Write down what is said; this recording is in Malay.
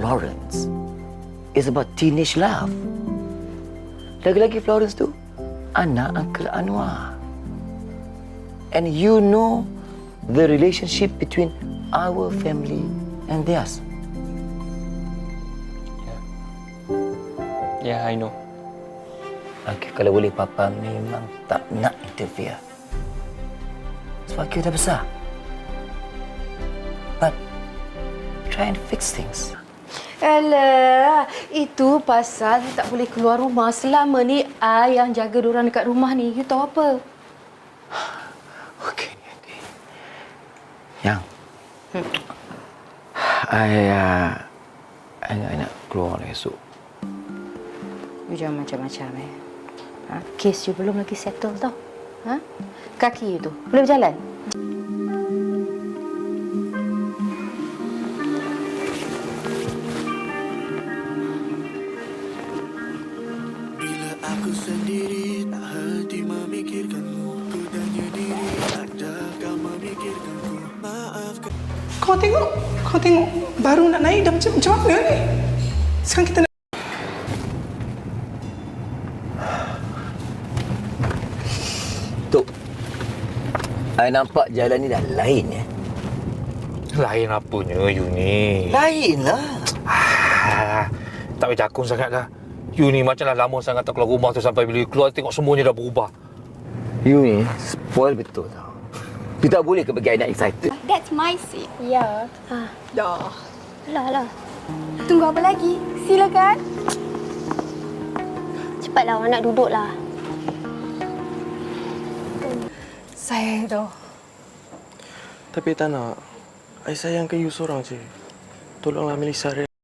Florence is about teenage love. Lagi-lagi Florence tu anak Uncle Anwar. And you know the relationship between our family and theirs. Yeah, I know. Okay, kalau boleh Papa memang tak nak interfere. Sebab kita dah besar. But try and fix things. Alah, itu pasal you tak boleh keluar rumah. Selama ni, I yang jaga diorang dekat rumah ni. You tahu apa? Okey. Yang, I nak keluar esok. You jangan macam-macam, Ha? Kes you belum lagi settle tau. Ha? Kaki you tu, boleh berjalan? Bila aku sendiri tak henti memikirkanmu, ku tanya diri adakah memikirkanku. Maafkan. Kau tengok, baru nak naik dah macam mana ni? Sekarang kita nak... Tok, I nampak jalan ni dah lain ya. Lain apanya, you ni? Lain lah. Tak payah cakung sangat lah. You ni macam dah lama sangat tak keluar rumah tu, sampai bila you keluar tengok semuanya dah berubah. You ni spoil betul tau. You tak boleh ke bagi I nak excited. That's my seat. Ya. Dah. Lah. Tunggu apa lagi? Silakan. Cepatlah, awak nak duduklah. Sayang tu. Tapi tak nak. I sayangkan you seorang je. Tolonglah Melissa.